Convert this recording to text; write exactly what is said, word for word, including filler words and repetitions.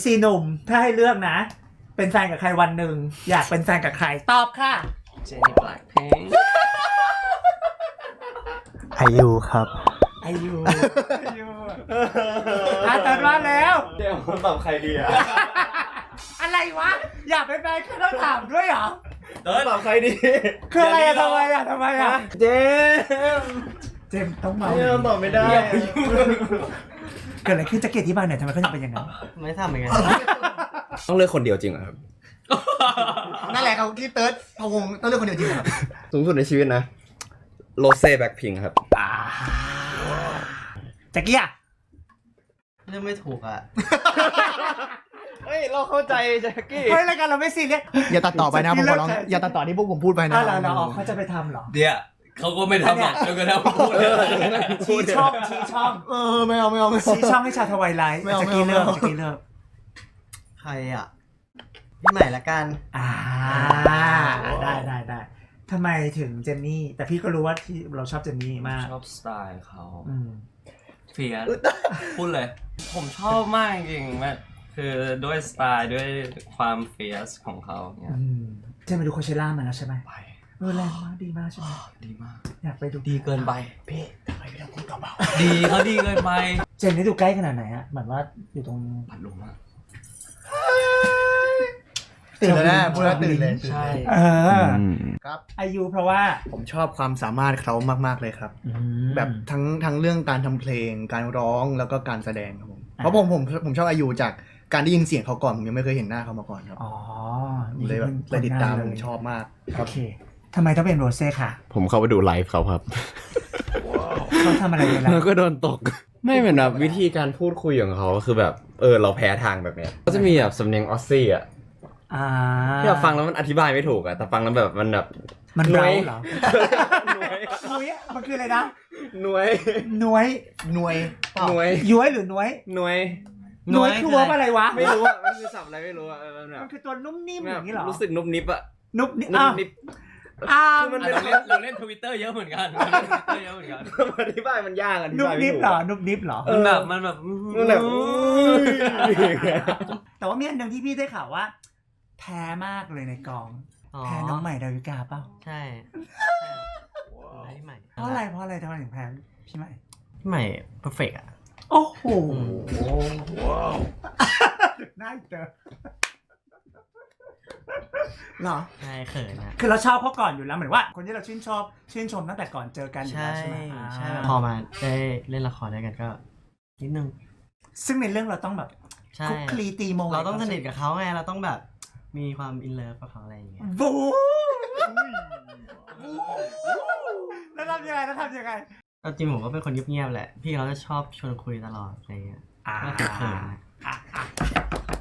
ซีหนุ่มถ้าให้เลือกนะ เป็นแฟนกับใครวันหนึ่งอยากเป็นแฟนกับใครตอบค่ะเจนนี่แบล็คพิงค์อายุครับอายุอายุอาจารย์ว่าแล้วเดี๋ยวตอบใครดีอะอะไรวะอยากเป็นแฟนก็ต้องถามด้วยเหรอเออตอบใครดีคืออะไรอะทำไมอะทำไมอะเจมเจมต้องเมาเจมตอบไม่ได้เกิดอะไรขึ้นจะเกตที่บ้านเนี่ยทำไมเขาถึงเป็นอย่างนั้นไม่ทำเหมือนกันต้องเลือกคนเดียวจริงเหรอครับนั่นแหละเขาที่เติร์ดพะวงต้องเลือกคนเดียวจริงครับสูงสุดในชีวิตนะโรเซ่แบ็คพิงค์ครับแจ็คกี้อะเลือกไม่ถูกอ่ะเฮ้ยเราเข้าใจแจ็คกี้เฮ้ยรายการเราไม่ซีเรียสอย่าตัดต่อไปนะผมขอร้องอย่าตัดต่อที่พวกผมพูดไปนะอะไรเราเขาจะไปทำหรอเดี๋ยวเขาก็ไม่ทำหรอกจนกระทั่งพูดเลยชี้ช่องชี้ช่องเออไม่เอาไม่เอาไม่เอาชี้ช่องให้ชาวทวายไลท์แจ็คกี้เลิกแจ็คกี้เลิกใครอ่ะพี่ใหม่ละกันอ่าได้ได้ได้ทำไมถึงเจนนี่แต่พี่ก็รู้ว่าที่เราชอบเจนนี่มากชอบสไตล์เขาเฟียสพูดเลยผมชอบมากจริงๆแบบคือด้วยสไตล์ด้วยความเฟียสของเขาเนี่ยเจนไปดูโคเชล่ามาแล้วใช่ไหมไปเออแรงมากดีมากใช่ไหมดีมากอยากไปดูดีเกินไปพี่ทำไมพี่ต้องพูดเบาๆดีเขาดีเกินไปเจนนี่ดูใกล้ขนาดไหนอะเหมือนว่าอยู่ตรงพัดลมอะตื่นแล้วนะพูดแล้วตื่นเลยใช่เออครับอายุเพราะว่าผมชอบความสามารถเขามากๆเลยครับแบบทั้งทั้งเรื่องการทำเพลงการร้องแล้วก็การแสดงครับผมเพราะผมผมผมชอบอายุจากการได้ยินเสียงเขาก่อนผมยังไม่เคยเห็นหน้าเขามาก่อนครับอ๋อเลยแบบเลยติดตามชอบมากโอเคทำไมต้องเป็นโรเซ่ค่ะผมเข้าไปดูไลฟ์เขาครับเขาทำอะไรในไลฟ์แล้วก็โดนตกไม่เหมือนแบบวิธีการพูดคุยของเขาคือแบบเออเราแพ้ทางแบบเนี้ยก็จะมีแบบสำเนียงออสซี่อ่ะที่เราฟังแล้วมันอธิบายไม่ถูกอะแต่ฟังแล้วแบบมันแบบมันเร้าเหรอหน่วยหน่วยมันคืออะไรนะหน่วยหน่วยหน่วยหน่วยย้วยหรือหน่วยหน่วยหน่วยคือว่าอะไรวะไม่รู้อะมันคือศัพท์อะไรไม่รู้อะมันคือตัวนุ่มนิ่มอย่างนี้หรอรู้สึกนุ่มนิบอะนุ่มนิบอ่ามันเราเล่นเราเล่นทวิตเตอร์เยอะเหมือนกันเยอะเหมือนกันอธิบายมันยากอธิบายไม่ถูกนุ่มนิบเหรอนุ่มนิบเหรอมันแบบมันแบบมันแบบแต่ว่ามีอันหนึ่งที่พี่ได้ข่าวว่าแพ้มากเลยในกองแพ้น้องใหม่ดาวิกาเปล่าใช่พี่ใหม่เพราะอะไรเพราะอะไรทำไมถึงแพ้พี่ใหม่พี่ใหม่เพอร์เฟกต์อ่ะโอ้โหว้าวน่าเจอเหรอใช่เขินนะคือเราชอบเขาก่อนอยู่แล้วเหมือนว่าคนที่เราชื่นชอบชื่นชมตั้งแต่ก่อนเจอกันอยู่แล้วใช่ไหมใช่พอมาได้เล่นละครด้วยกันก็นิดนึงซึ่งในเรื่องเราต้องแบบคุกคลีตีโมเราต้องสนิทกับเขาไงเราต้องแบบมีความอินเลิฟกับเขาอะไรอย่างเงี้ยบูแล้วทำยังไงแล้วทำยังไงจริงผมก็เป็นคนเงียบๆแหละพี่เขาจะชอบชวนคุยตลอดอะไรเงี้ยก็เขิน